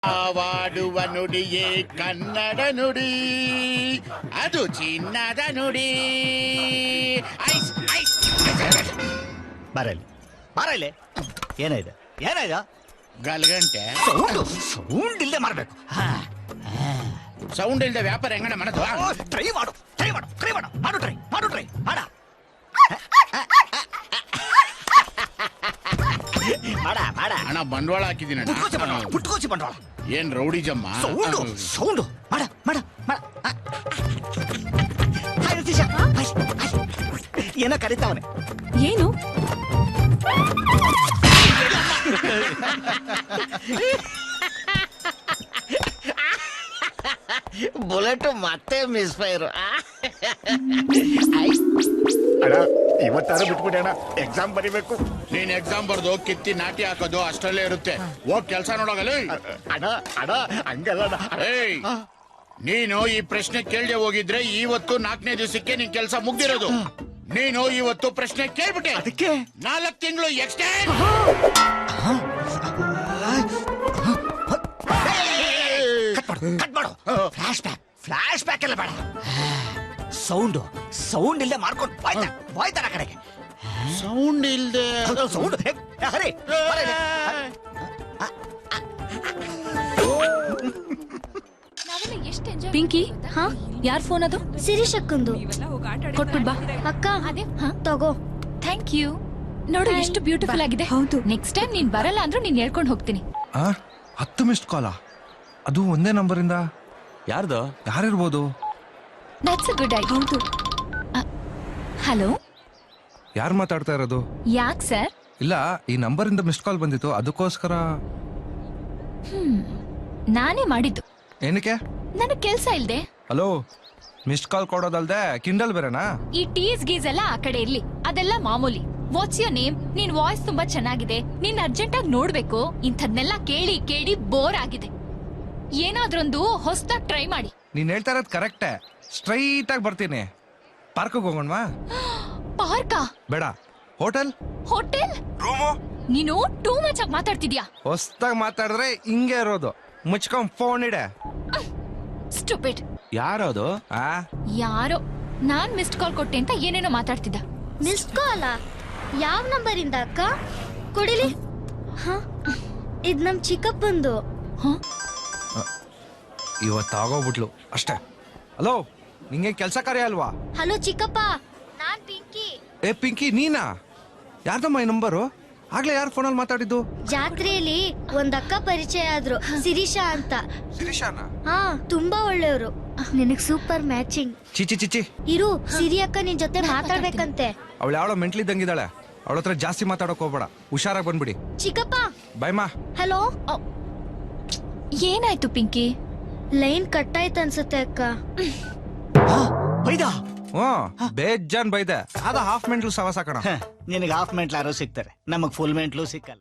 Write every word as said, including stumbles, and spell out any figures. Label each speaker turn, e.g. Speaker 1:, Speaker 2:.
Speaker 1: ಆವಾಡುವ ನುಡಿಯೇ ಕನ್ನಡ ನುಡಿ, ಅದು ಚಿನ್ನದ ನುಡಿ. ಐಸ್ ಐಸ್
Speaker 2: ಬರಲಿ ಬರಲಿ. ಏನಾಯ್ತು ಏನಾಯ್ತು?
Speaker 1: ಗಲ್ಗಂಟೆ
Speaker 2: ಸೌಂಡು ಸೌಂಡ್ ಇಲ್ಲದೆ ಮಾಡಬೇಕು.
Speaker 1: ಸೌಂಡ್ ಇಲ್ಲದೆ ವ್ಯಾಪಾರ ಹೆಂಗಣ ಮಾಡೋದು?
Speaker 2: ಟ್ರೈ ಮಾಡು ಟ್ರೈ ಮಾಡು ಟ್ರೈ ಮಾಡು ಮಾಡು ಟ್ರೈ ಮಾಡು ಟ್ರೈ ಮಾಡ ಮಾಡ ಮಾಡ
Speaker 1: ಹಣ ಬಂಡವಾಳ ಹಾಕಿದ್ದೀನಿ
Speaker 2: ಪುಟ್ಕೋಚಿ ಬಂಡವಾಳ ಪುಟ್ಕೋಚಿ ಬಂಡವಾಳ.
Speaker 1: ಏನ್ ರೌಡಿ ಜಮ್ಮ.
Speaker 2: ಸೌಂಡು ಸೌಂಡು ಮಾಡ ಮಾಡ ಮಾಡ. ಹಾಯ್ ರತೀಶ, ಏನೋ ಕರೀತಾವನೆ.
Speaker 3: ಏನು?
Speaker 4: ಬುಲೆಟ್ ಮತ್ತೆ ಮಿಸ್ ಫೈರ್.
Speaker 5: ಅಣ್ಣ ಇವತ್ತಾರು ಬಿಟ್ಬಿಡಿ ಅಣ್ಣ, ಎಕ್ಸಾಮ್ ಬರಿಬೇಕು.
Speaker 1: ನೀನ್ ಎಕ್ಸಾಮ್ ಬರ್ದು ಕಿತ್ತಿ ನಾಟಿ ಹಾಕೋದು ಅಷ್ಟರಲ್ಲೇ ಇರುತ್ತೆ. ಹೋಗ್ ಕೆಲ್ಸ ನೋಡೋಗಲ್ಲ.
Speaker 5: ಅಣ್ಣ ಅಣ್ಣ ಹಂಗಲ್ಲ ಅಣ್ಣ.
Speaker 1: ಏಯ್, ನೀನು ಈ ಪ್ರಶ್ನೆ ಕೇಳದೆ ಹೋಗಿದ್ರೆ ಇವತ್ತು ನಾಲ್ಕನೇ ದಿವಸಕ್ಕೆ ನಿನ್ ಕೆಲಸ ಮುಗ್ದಿರೋದು. ನೀನು ಇವತ್ತು ಪ್ರಶ್ನೆ ಕೇಳ್ಬಿಟ್ಟೆ,
Speaker 2: ಅದಕ್ಕೆ
Speaker 1: ನಾಲ್ಕು ತಿಂಗಳು ಎಕ್ಸ್ಟೆಂಡ್.
Speaker 2: ಕಟ್ ಮಾಡು. ಫ್ಲಾಶ್ ಬ್ಯಾಕ್ ಫ್ಲಾಶ್ ಬ್ಯಾಕ್ ಎಲ್ಲ ಬೇಡ. ಸೌಂಡು ಸೌಂಡ್ ಇಲ್ಲದೆ ಮಾಡ್ಕೊಂಡು ಬಾಯ್ತ ಬಾಯ್ತಾರ ಕಡೆಗೆ.
Speaker 1: ಸೌಂಡ್ ಇಲ್ದೆ
Speaker 2: ಸೌಂಡ್ ಹರೇ
Speaker 3: ಪಿಂಕಿ, ಹಾ ಯಾರ್ ಫೋನ್ ಅದು?
Speaker 6: ಶಿರೀಶ್ ಅಕ್ಕಂದು.
Speaker 3: ಕೊಟ್ಬಿಡ್ ಬಾ.
Speaker 6: ಅಕ್ಕ ಅದೇ ತಗೋ.
Speaker 3: Thank you. ನೋಡು ಎಷ್ಟು ಬ್ಯೂಟಿಫುಲ್ ಆಗಿದೆ. ಹೌದು. ನೆಕ್ಸ್ಟ್ ಟೈಮ್ ನೀನ್ ಬರಲ್ಲ ಅಂದ್ರೂ ನೀನ್ ಹೇಳ್ಕೊಂಡು ಹೋಗ್ತೀನಿ.
Speaker 7: ಆ ಹತ್ತು ಮಿಸ್ಡ್ ಕಾಲ, ಅದು ಒಂದೇ ನಂಬರಿಂದ.
Speaker 8: ಯಾರ್ದು?
Speaker 7: ಯಾರಿರ್ಬೋದು?
Speaker 3: That's a good idea. ಹೌದು. ಹಲೋ,
Speaker 7: ಯಾರು ಮಾತಾಡ್ತಾ ಇರೋದು?
Speaker 3: ಯಾಕ್ ಸರ್?
Speaker 7: ಇಲ್ಲ, ಈ ನಂಬರಿಂದ ಮಿಸ್ಡ್ ಕಾಲ್ ಬಂದಿತ್ತು, ಅದಕ್ಕೋಸ್ಕರ.
Speaker 3: ಹ್ಮ್ ನಾನೇ ಮಾಡಿದ್ದು.
Speaker 7: ಏನಕ್ಕೆ?
Speaker 3: ನನಗ್ ಕೆಲ್ಸ ಇಲ್ದೆ.
Speaker 7: ಹಲೋ, ಮಿಸ್ಡ್ ಕಾಲ್ ಕೊಡೋದಲ್ದೆ ಕಿಂಡಲ್ ಬೇರೆನಾ?
Speaker 3: ಈ ಟೀಸ್ ಗೀಸ್ ಎಲ್ಲ ಆ ಕಡೆ ಇರ್ಲಿ, ಅದೆಲ್ಲ ಮಾಮೂಲಿ. What's your name? ನಿನ್ ವಾಯ್ಸ್ ತುಂಬಾ ಚೆನ್ನಾಗಿದೆ, ನೀನ್ ಅರ್ಜೆಂಟ್ ಆಗಿ ನೋಡ್ಬೇಕು. ಇಂಥದ್ನೆಲ್ಲ ಕೇಳಿ ಕೇಳಿ ಬೋರ್ ಆಗಿದೆ. ಏನಾದ್ರೊಂದು ಹೊಸದಾಗಿ ಟ್ರೈ ಮಾಡಿ.
Speaker 7: ನೀನ್ ಹೇಳ್ತಾ ಇರೋದು ಕರೆಕ್ಟೇ. ಸ್ಟ್ರೈಟ್ ಆಗಿ ಬರ್ತೀನಿ. ಪಾರ್ಕಿಗೆ ಹೋಗೋಣವಾ?
Speaker 3: ಪಾರ್ಕಾ?
Speaker 7: ಬೇಡ, ಹೋಟೆಲ್.
Speaker 3: ಹೋಟೆಲ್?
Speaker 7: ರೂಮು?
Speaker 3: ನೀನು ಟೂ ಮಚ್ ಆಗಿ ಮಾತಾಡ್ತಿದ್ಯಾ.
Speaker 7: ಹೊಸ್ದಾಗಿ ಮಾತಾಡಿದ್ರೆ ಹಿಂಗೆ ಇರೋದು. ಮುಚ್ಕೊಂಡ್ ಫೋನ್ ಇಡೆ.
Speaker 3: ಸ್ಟುಪಿಡ್.
Speaker 8: ಯಾರದು?
Speaker 7: ಆ
Speaker 3: ಯಾರೋ ನಾನ್ ಮಿಸ್ಡ್ ಕಾಲ್ ಕೊಟ್ಟೆ ಅಂತ ಏನೇನೋ ಮಾತಾಡ್ತಿದ್ದ.
Speaker 6: Missed call? ಯಾವ ನಂಬರ್ ಇಂದ ಅಕ್ಕ? ಕೊಡಿಲಿ. ಹ, ಇದ್ ನಮ್ ಚಿಕ್ಕಪ್ಪಂದು.
Speaker 7: ಇವತ್ತಾಗೋಗ್ಬಿಟ್ಲು ಅಷ್ಟೇ. ಹಲೋ, ನಿಂಗೆ ಕೆಲ್ಸ ಕಾರ್ಯ ಅಲ್ವಾ?
Speaker 6: ಹಲೋ ಚಿಕ್ಕಪ್ಪ, ನಾನ್ ಪಿಂಕಿ.
Speaker 7: ಏ ಪಿಂಕಿ, ನೀನಾ? ಯಾರ್ದಮ್ಮ ಈ ನಂಬರು? ಆಗ್ಲೇ ಯಾರು ಫೋನಲ್ಲಿ ಮಾತಾಡಿದ್ದು?
Speaker 6: ಜಾತ್ರೆಯಲ್ಲಿ ಒಂದ್ ಅಕ್ಕ ಪರಿಚಯ ಆದ್ರು, ಶಿರೀಷಾ ಅಂತ.
Speaker 7: ಶಿರೀಷಾನ?
Speaker 6: ಹಾ, ತುಂಬಾ ಒಳ್ಳೆಯವರು. ನಿನಗ್ ಸೂಪರ್ ಮ್ಯಾಚಿಂಗ್.
Speaker 7: ಚಿಚಿ ಚಿಚಿ.
Speaker 6: ಇರು, ಸಿರಿ ಅಕ್ಕ ನಿನ್ ಜೊತೆ ಮಾತಾಡ್ಬೇಕಂತೆ.
Speaker 7: ಅವಳು ಯಾವಳೋ ಮೆಂಟ್ಲಿದ್ದಂಗಿದ್ದಾಳೆ. ಅವಳ ಹತ್ರ ಜಾಸ್ತಿ ಮಾತಾಡಕ್ ಹೋಗ್ಬೇಡ, ಹುಷಾರಾಗಿ ಬಂದ್ಬಿಡಿ.
Speaker 6: ಚಿಕ್ಕಪ್ಪ.
Speaker 7: ಬಾಯ್ ಮಾ.
Speaker 6: ಹಲೋ.
Speaker 3: ಏನಾಯ್ತು ಪಿಂಕಿ?
Speaker 6: ಲೈನ್ ಕಟ್ ಆಯ್ತು ಅನ್ಸುತ್ತೆ ಅಕ್ಕ.
Speaker 2: ಬೈದ
Speaker 7: ಹ್ಮ್, ಬೇಜಾನ್ ಬೈದೆ. ಅದ ಹಾಫ್ ಮೆಂಟ್ಲು ಸವಾಸ ಕಣ.
Speaker 2: ನಿನಗೆ ಹಾಫ್ ಮೆಂಟ್ಲ್ ಯಾರೋ ಸಿಗ್ತಾರೆ, ನಮಗ್ ಫುಲ್ ಮೆಂಟ್ಲು ಸಿಕ್ಕಲ್ಲ.